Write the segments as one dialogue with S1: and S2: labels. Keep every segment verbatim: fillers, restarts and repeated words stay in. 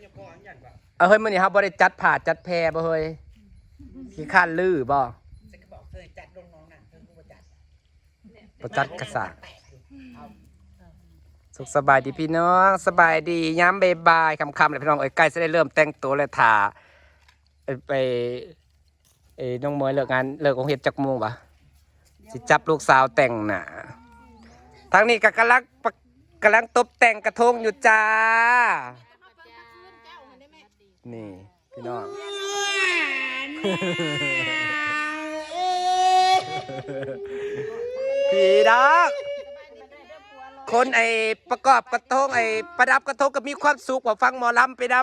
S1: เอาเฮ้ยมื้อนี้ครับบ่ได้จัดผ่าจัดแพรบ่เฮ้ยขี้ข้านลือบ่บ่จัดกระสาสุขสบายดีพี่น้องสบายดีย้ำบ่ายๆค่ำๆเลยพี่น้องเอ้ยใกล้จะได้เริ่มแต่งตัวแล้วถ่าไปเอ้น้องเมยเลิกงานเลิกโรงเรียนจักโมงปะสิจับลูกสาวแต่งหน้าทางนี้ก็กำลังกำลังตบแต่งกระทงอยู่จ้านี่พี่น้องพี่น้องคนไอ้ประกอบกระทงไอ้ประดับกระทงก็มีความสุขกว่าฟังหมอลำไปดำ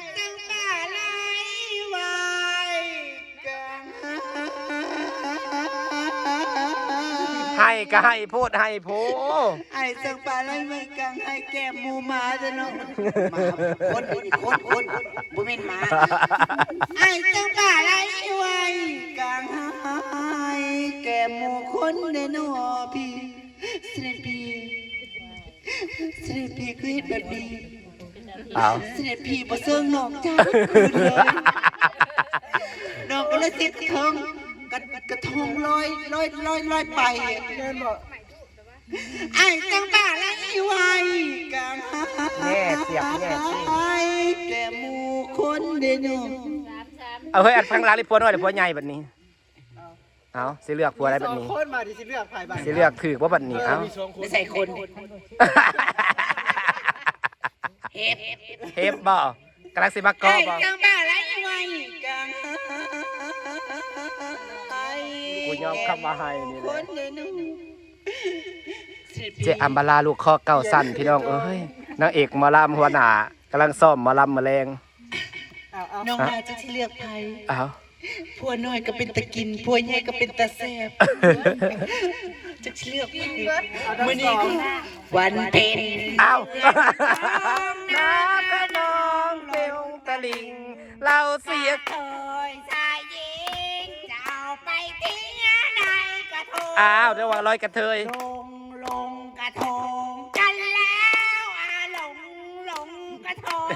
S1: ให้ก็ให้พูดให้พูด
S2: ไอ้สังปลาไล่ไม่กังให้แก้มมูมาจะเนาะมาคนคนคนบุเมนมาไอ้สังปลาไล่ไว้กังให้แก้มมูคนเดนอพี่เสด็จพี่เสด็จพี่คือเห็นแบบนี้เสด็จพี่บ่เสื่องนอกจ้าคืนเลยนอกก็เลยติดกระทงกระกระทงลอยลอยลอยลอยไปไอ้จังบ้าละอีไว้กัง
S1: แง่เสียบแง่
S2: ไอ้แกมูคนเดนู
S1: เอาเฮ้ยอัดพังร้านรีพัวน้อยหรือพัวใหญ่แบบนี้เอาสิเลือกพัวอะไรแบบนี้
S3: คนมาดิสิเลือกใครบ้าง
S1: สิเลือกถือว่าแบบนี้เอา
S2: ไม่ใส่คนเฮ็บ
S1: เฮ็บบ่กำลังสิมากอบ่
S2: จังบ้าละอีไว้กัง
S1: กูยอมคำมาให้นี่แหละเจอัมบาลาลูกคอเก่าสั้นพี่น้องเอ้ยนางเอกหมอลำหัวหน้ากำลังซ่อมหมอลำมะเร็ง
S2: น้องมาจะที่เลือกใคร
S1: อ้าว
S2: ผัวน้อยก็เป็นตะกินผัวใหญ่ก็เป็นตาแซ่บจะเลือกใครมื้อนี้ก็วันเพ็ญ
S1: อ้าวน้ำกระนองเร็วตะลิงเราเสีย
S2: เคยชายหญิงเจ้าไปทิ้งในกระทง
S1: อ้าวเดี๋ยวว่าลอยกระเทย
S2: ลงลงกระทงกันแล้วอาลงลงกระทง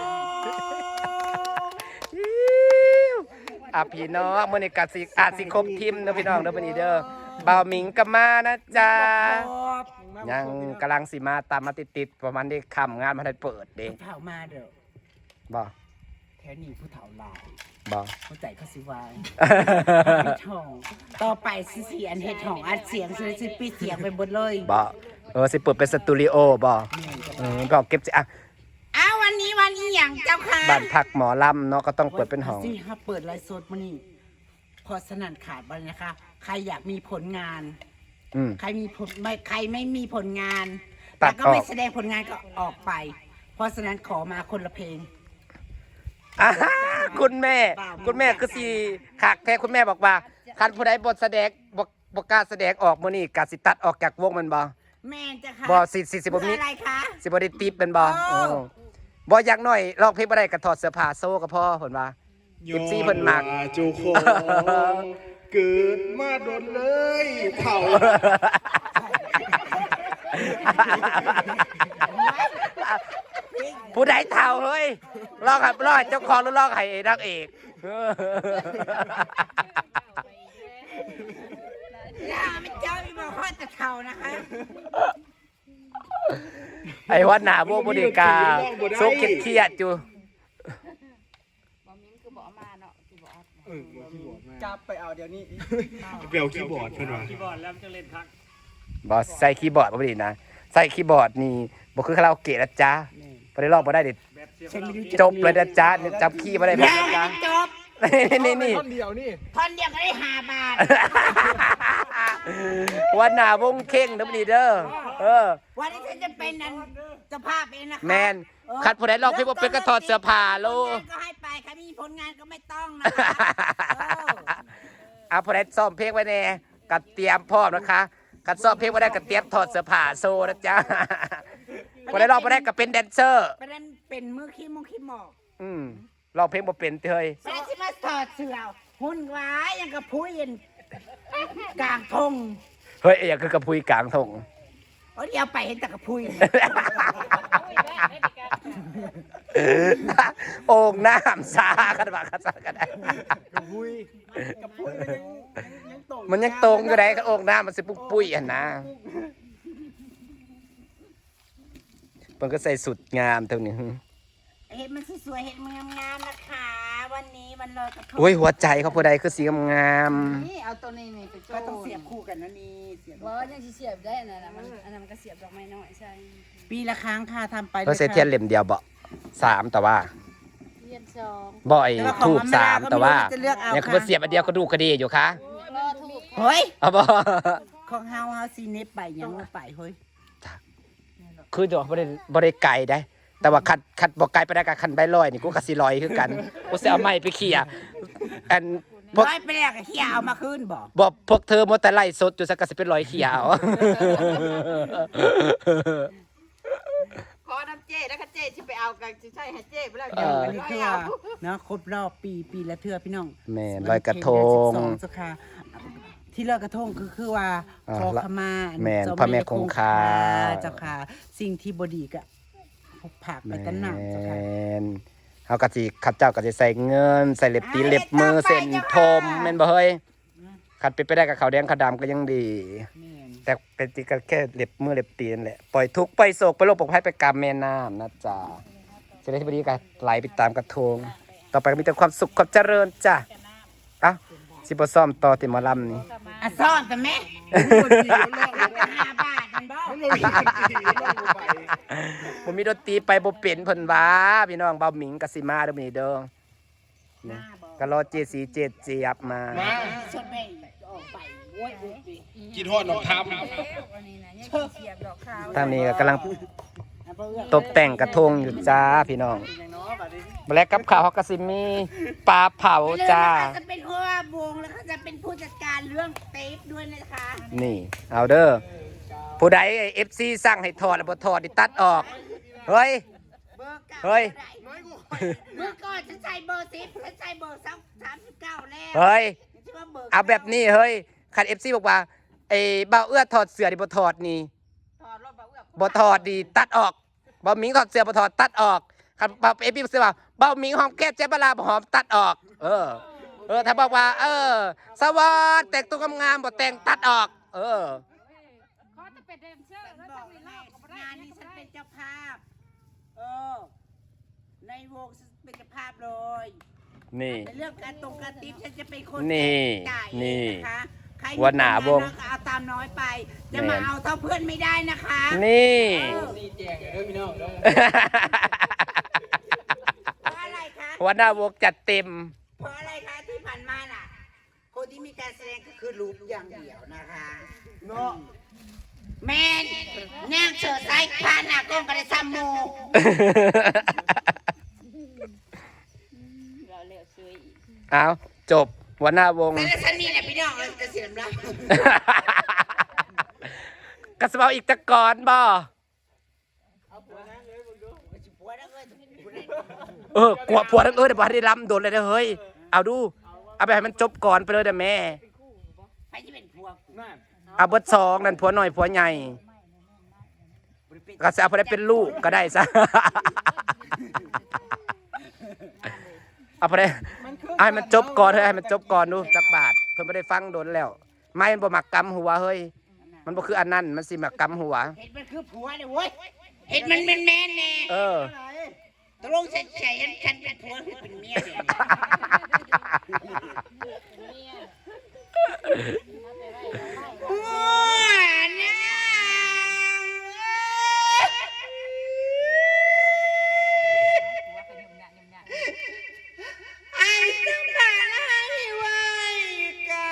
S1: อ่ะพี่น้องมื้อนี้กัดสิอาจสิครบทีมเด้อพี่น้องเด้อมื้อนี้เด้อบ่าวหมิงก็มานะจ๊ะยังกำลังสิมาตามมาติดๆประมาณนี้ค่ำงานมาได้เปิดเด้
S2: ผู้เฒ่ามาเด้อ
S1: บ่
S2: แถวนี้ผู้เฒ่าหลาย
S1: บ่
S2: ผู้ใจเขาสิวายเฮ็ดห้องต่อไปสิเสียนเฮ็ดห้องอัดเสียงสิปิดเสียงไปหมดเลย
S1: บ่เออสิเปิดเป็นสตูดิโอบ่เออก็เก็บสิอ่ะ
S2: อ้าววันนี้วันอีหยังเจ้าค่ะ
S1: บ้านพักหมอลำเนาะก็ต้องเปิดเป็นห้อง
S2: สิฮะเปิดไลฟ์สดมื้อนี้พอสนั่นขาดบ่นะคะใครอยากมีผลงาน
S1: อืม
S2: ใครมีผลไม่ใครไม่มีผลงานแต่ก็ไม่แสดงผลงานก็ออกไปเพราะฉะนั้นขอมาคนละเพลง
S1: คุณแม่คุณแม่คือสิคักแท้คุณแม่บอกว่าคันผู้ใดบ่แสดงบ่บ่กล้าแสดงออกมื้อนี้ก็สิตัดออกจากวงมันบ่
S2: แม่นจ้ะค่ะ
S1: บ่สิสิสิบ่มี
S2: อะไรคะ
S1: สิบ่ได้ติปเป็นบ่เออบ่อย่างน้อยร้องเพลงบ่ได้ก็ถอดเสื้อผ้าโซ่ก็พอเพิ่นว่า เอฟ ซี เพิ่นมัก
S3: จูโคเกิดมาโดนเลยเฒ่า
S1: ผู้ใดเฒ่าเฮ้ยร้องให้ร้องให้เจ้าของหรือร้องให้นางเอก
S2: อย่ามันเจ้ามีบ่ฮอดแต่เฒ่านะคะ
S1: ไอ้วัดหน้าวงบ่ได้กาโซกเครียดๆอยู่
S3: จับไปเอาเดี๋ยวนี้เปลี่ยวคีย์บอร์ดเพิ่นว่าคีย์บอร์ดแล้วจะเล่นคัก
S1: บ่ใส่คีย์บอร์ดบ่ได้นะใส่คีย์บอร์ดนี่บ่คือคาราโอเกะนะจ๊ะบ่ได้ร้องบ่ได้ดิจบเลยนะจ๊ะจับคีย์บ่ได้บ่นะจ๊ะ
S2: จบ
S1: นี่ๆ
S3: ท่อนเดียวนี่
S2: ท่อนเดียวก็ได้ห้าบาท
S1: วันหน้าวงเข่งเด้อนี่เด้อเออ
S2: วันนี้ฉันจะเป็นนั้นเจ้าภาพเองนะคะ
S1: แม่นคัดผู้ใดร้องเพลงบ่เป็นก็ถอดเสื้อผ้าโล
S2: ก็ให้ไปใครมีผลงานก็ไม่ต้องนะคะ
S1: อ่ะผู้ใดซ้อมเพลงไว้แน่ก็เตรียมพร้อมนะคะคัดซ้อมเพลงบ่ได้ก็เตรียมถอดเสื้อผ้าโซนะจ๊ะผู้ใดร้องบ่ได้ก็เป็นแดนเซอร์
S2: เป็นเป็นมือขี้มงขี้หมอก
S1: อืมร้องเพลงบ่เป็นเฮ้ย
S2: ฉันสิมาถอดเสื้อหุ่นหวายยังกับพุ้ยกลางทง
S1: เฮ้ยอย่างคือกระพุ้ยกลางทง
S2: เดี๋ยวไปเห็นแต่กระพุ้ย
S1: โอ่งน้ำซากันบากระซากันได้
S3: กระพุ้ยกระพุ้ยมันยังยังตรง
S1: มันยังตรงอยู่ได้ก็โอ่งน้ำมันสิปุกปุ้ยอ่ะนะมันก็ใส่สุดงามเท่านี้
S2: เห็ดมันสวยๆเห็ดมันงามๆนะคะวันนี้วันลอยกระทง
S1: โอ้ยหัวใจเขาผู้ใดคือสีงาม
S4: นี่เอาตัวนี้นี่ไปโจ
S2: ก็ต้องเสียบคู่กันนะนี่เสียบ
S4: บ่ยังสิเสียบได้อันนั้นน่ะมันอันนั้นมันก็เสียบดอกไม้น้อยใช่
S2: ปีละครั้งค่ะทำไป
S1: ๆเขาใส่เทียนเหลี่ยมเดียวบ่สามแต่ว่า
S4: เรียนสอง
S1: บ่อยทูบสามแต่ว่า
S2: จะเลือกเอา
S1: เนี่ยคือมาเสียบอันเดียวก็ดูกระดีอยู่ค่ะ
S4: รอถูก
S2: เฮ้ย
S1: เอาบ่
S2: ของเฮาเฮาซีเนปไปยังว่าไปเฮ้ย
S1: คือดอกบ่ได้บ่ได้ไกลได้ แต่ว่าคัดคัดบ่ไกลไปได้กับคันใบลอยนี่กูก็สิลอยคือกันกูสิเอาไม้ไปเขี่ยอันพวก
S2: ร้อยไปแล้วก็เฮียเอามาคืนบ่
S1: บ่พวกเธอมัวแต่ไล่สดอยู่ซะก็สิเป็นรอยเขี่ยเอา
S4: ขอน้ำเจ้แล้วก็เจ้สิไปเอากันสิใช่ให้เจ้ไปแล้ว
S1: เออ
S2: อันนี้คือว่าเนาะครบรอบปีปีละเทื่อพี่น้อง
S1: แม่นลอยกระทง
S2: เดือนสิบสองเจ้าค่ะที่ลอยกระทงคือคือว่า
S1: อ่า
S2: ขอขมา
S1: แม่น
S2: เจ้า
S1: พระแม่คงคา
S2: เจ้าค่ะ สิ่งที่บ่ดีก็พกผักไปกันหนักเจ้าค่ะ
S1: แม่นเฮาก็สิข้าเจ้าก็สิใส่เงิน ใส่เล็บตีนเล็บมือเส้นทมแม่นบ่เฮ้ยคันเป็นไปได้กับขาวแดงขาวดำก็ยังดี
S2: แม่น
S1: แต่เป็นจริงก็แค่เล็บมือเล็บตีนแหละปล่อยทุกข์ปล่อยโศกไปโลกปลอดภัยไปกรรมแม่น้ำนะจ๊ะเสด็จที่บดีก็ไหลไปตามกระทงต่อไปก็มีแต่ความสุขความเจริญจ้ะเอ้าสิบซ่อมต่อติหมอลำนี่
S2: อ่ะซ่อนแต่แม่ห้าบาทมันบ่
S3: มันลงตีลงไป
S1: ผมมีดนตรีไปบ่เป็นเพิ่นว่าพี่น้องเบาหมิงกสิมาเด้อมื้อนี้เด้อนะก็รอเจสีเจเจี๊ยบมา
S3: มา
S2: ชดแม่ออกไปโว้ยโว้ย
S3: กินทอดดอกท
S4: อันนี้นะยังสิเสียบดอกขาว
S1: ทางนี้ก็กำลังตกแต่งกระทงอยู่จ้าพี่น้อง
S3: ำอย่างน้อยบัดนี้
S1: มาแล้วกับข้าวเขาก็สิมีปลาเผาจ้า
S2: เขาจะเป็นหัววงแล้วเขาจะเป็นผู้จัดการเรื่องเทปด้วยนะคะ
S1: นี่ เอาเด้อผู้ใดเอฟซีสั่งให้ถอดแล้วบ่ถอดนี่ตัดออก เฮ้ย
S2: เบอร์เก้า
S1: เฮ้ย
S3: น้อยกู
S2: เมื่อก่อนฉันใส่เบอร์สิบฉันใส่เบอร์สามสามสิบเก้าแล้ว
S1: เฮ้ย
S2: ฉันว่าบร์
S1: เอาแบบนี้เฮ้ยคันเอฟซีบอกว่าไอ้บ่าวเอื้อถอดเสื้อดิบ่ถอดนี่
S4: ถอดรอบบ่เอื้อ
S1: บ่ถอดดีตัดออกบ่าวหมิงถอดเสื้อบ่ถอดตัดออกคันบ่าวเอฟซีบอกว่าบ่าวหมิงหอมแก้มเจ๊บลาบ่หอมตัดออก เออ เออถ้าบอกว่า เออ สวัสดแต่งตัวงามๆบ่แต่งตัดออก เออ
S4: ขอจะเป็นแดนเซอร์แล้ว
S2: บ
S4: ต้
S2: อ
S4: อก งมี
S2: ให้
S4: รอบก็บ่ได้
S2: งานนี้ฉันเป็นเจ้าภาพ เออ ในวงฉันเป็นเจ้าภาพเลย
S1: นี่
S2: ในเรื่องการตรงการติ๊บฉันจะเป็นคน
S1: นี่
S2: จ่าย
S1: นี่
S2: เองนะคะใครมี
S1: หัวหน้าวง
S2: ปัญก็เอาตามน้อยไป จะ
S1: แม่
S2: มาน เอาเท่าเพื่อนไม่ได้นะคะ
S1: นี่
S2: เออ
S3: นี่แจงเด้อพี่น้องเด้อ
S2: เพราะอะไรคะ
S1: หัวหน้าวงจัดเต็ม
S2: เพราะอะไรคะที่ผ่านมาน่ะ คนที่มีการแสดงก็คือรูปอย่างเดียวนะคะ
S3: เนาะ
S2: แมนแนงเชิดไซพาหน้ากล้องกระไดซัมโม
S4: เราเร็วซื้ออีก
S1: เอาจบหัวหน้าวง
S2: แต่ละฉันนี่แหละพี่น้องเออจะเสียมรับ
S1: กระสเปาอีกตะกอนบ่
S2: ผัวแล้วเอ้ย
S1: เออกลัวผัวทั้งเอ้ยเดี๋ยวบ่ได้ล้ำโดนเลยเด้อเฮ้ย เอาดู เอาไปให้มันจบก่อนไปเลยเด้อแม่
S2: ไปที่เป็นผัว
S3: นั่น
S1: เอาเบิดสองนั่นผัวหน่อยผัวใหญ่ก็จะเอาไปได้เป็นลูกก็ได้ซะ เอาไปได้เอาให้มันจบก่อนเฮ้ยให้มันจบก่อนดูจักบาทเพิ่นไม่ได้ฟังโดนแล้ว ไม่มันบ่มักกำหัวเฮ้ย มันบ่คืออันนั้นมันสิมักกำหัว
S2: เห็ดมันคือผัวเนี่ยเว้ยเห็ดมันเป็นแมนแน่
S1: เออ
S2: ตกลงฉันใช่ฉันเป็นผัวหรือเป็นเมียเนี่ยผัวนะไอ้สัมผัสให้ไว้กัน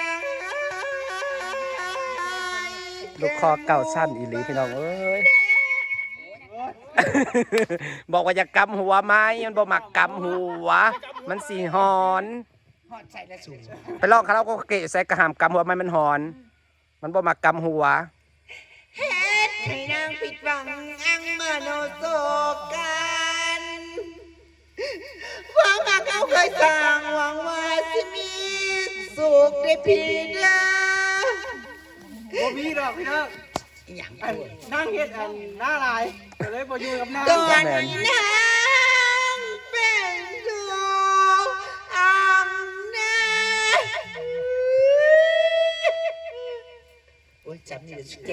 S1: ลูกคอเก่าสั้นอีหลีพี่น้องเอ้ย บอกว่าอย่ากำหัวไม้มันบ่มักกำหัว มันสีหอน
S2: หอดใส่ละสูง
S1: ไปลองคาราโอเกะใส่กระหามกำหัวไม้มันหอน มันบ่มักกำหัว
S2: เฮ็ดให้นางผิดหวังอังมโนโศกันความรักเขาเคยสร้างหวังว่าสิมีสุขได้พีเด้อ
S3: บ่มีดอกพี่น้อง
S2: อย่าง
S3: อันนั่งเฮ็ดอันหน้าลายก็เลยบ่อยู่กับหน้า
S2: ตอนนี้นางเจ็บ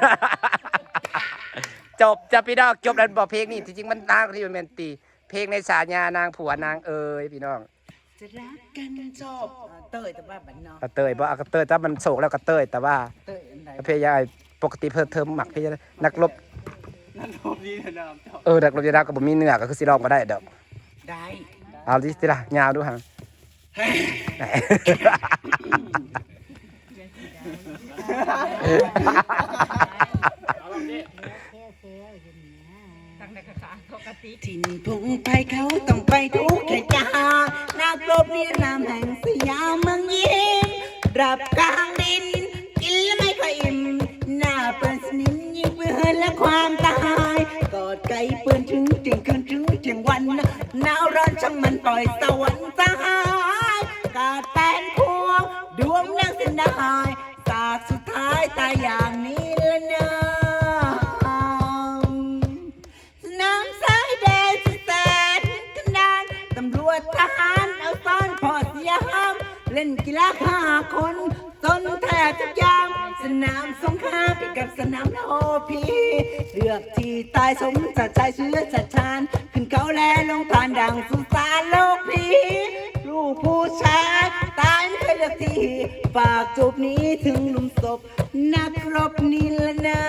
S1: จบจะพี่น้องจบแล้วบอกเพลงนี่จริงๆมันนางที่มันเป็นตีเพลงในสาญานางผัวนางเอ๋ยพี่น้อง
S2: จะรักกันจบเตยแต่ว่าบันนอก
S1: กระเตยบ่เอากระเตยถ้ามันโศกแล้วกระเตยแต่ว่า
S2: เตยอันไหน
S1: เพลงยายปกติเพิ่มเติมหมักพี่นักรบ
S3: นั่นโทษดีนะน้ำเจ้า
S1: เออนักรบยาดาก็บ่มีเนื้อก็คือสิร้องก็ได้ดอก
S2: ได้
S1: เอาดิสิล่ะยาวดูฮะ ไหน
S4: ตั้งแต่กระสานปกติ
S2: ถิ่นพงไปเขาต้องไปทุกแค่จานักรบนิรามแห่งสยามเมืองยิ้มรับกลางดิน กินแล้วไม่ค่อยอิ่มหน้าเปิดสนิมยิงเพื่อนและความตายกอดไก่ปืนถึงเที่ยงคืนถึงเที่ยงวันหนาวร้อนช่างมันปล่อยสวรรค์สหายกาดแตนพวงดวงนักเส้นได้สากสุดท้ายตายอย่างนี้ละเนอะสนามสายแดนสุดแสนกันดานตำรวจทหารเอาซ่อนพอเสียห้ามเล่นกีฬาฆ่าคนต้นแทบทุกอย่างสนามสงครามไปกับสนามโอพีเลือกที่ตายสมจัดใจเชื้อจัดชาญขึ้นเขาแลลงผ่านดังสุสานโลกพีลูกผู้ชายตายไม่เคยเลือกที่ฝากจูบนี้ถึงหลุมศพนักรบนิรนาม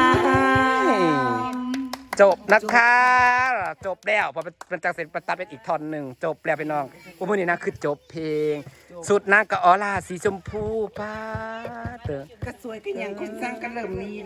S1: จบนะคะจบแล้วพอเป็นจากเสร็จประตัดเป็นอีกท่อนหนึ่งจบแล้วพี่น้องผู้มือนี้นะคือจบเพลง สุดนางกับออร่าสีชมพูป้าเตอ
S2: ก็สวยกันอย่างคนสร้างกันเริ่มมีนะ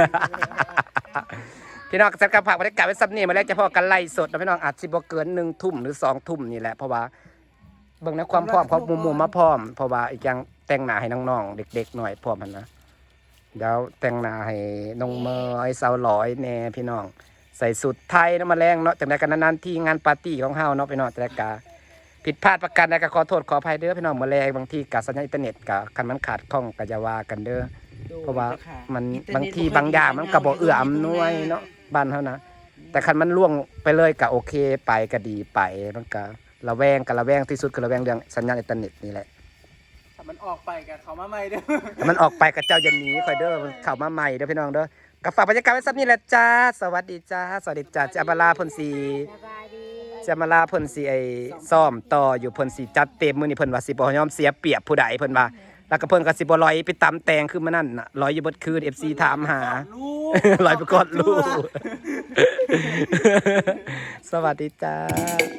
S1: พี่น้องจัดการผักบรรยากาศไว้ซับนี่มาแล้วจะพอกันไล่สดนะพี่น้องอาจสิบ่เกินหนึ่งทุ่มหรือสองทุ่มนี่แหละเพราะว่าเบิ่งในความพร้อมเขามุมมุมมาพร้อมเพราะว่าอีกอย่างแต่งหน้าให้น้องๆเด็กๆหน่อยพร้อมมันนะเดี๋ยวแต่งหน้าให้น้องเมย์สาวหลอยแน่พี่น้องใส่สุดไทยน้ำมาแรงเนาะจากนั้นกันนานๆที่งานปาร์ตี้ของเฮาเนาะพี่น้องจัดการผิดพลาดประการใดก็ขอโทษขออภัยเด้อพี่น้องมาแรงบางทีกับสัญญาณอินเทอร์เน็ตกับคันมันขาดข้องก็จะว่ากันเด้อเพราะว่ามันบางทีบางอย่างมันก็บ่เอื้ออำนวยเนาะบ้านเฮานะแต่คันมันล่วงไปเลยก็โอเคไปก็ดีไปมันก็ระแวงก็ระแวงที่สุดคือระแวงเรื่องสัญญาณอินเทอร์เน็ตนี่แหละ
S3: ถ้ามันออกไปกับเขามาใหม่เด้อ
S1: มันออกไปกับเจ้าอย่าหนีคอยเด้อมันเข้ามาใหม่เด้อพี่น้องเด้อกับฝากบรรยากาศไว้สักนี่แหละจ้าสวัสดีจ้าสวัสดีจ้าจะมาลาเพ่นสีจะมาลาเพ่นสีไอ้ซ่อมต่ออยู่เพ่นสีจัดเต็มมื้อนี้เพิ่นว่าสิบ่ยอมเสียเปรียบผู้ใดเพิ่นว่าแล้วก็เพิ่นก็สิบ่ลอยไปตำแตงคือมื้อนั้นน่ะลอยอยู่เบิดคืน เอฟ ซี ถามหา ลอยไปกอดลูก สวัสดีจ้า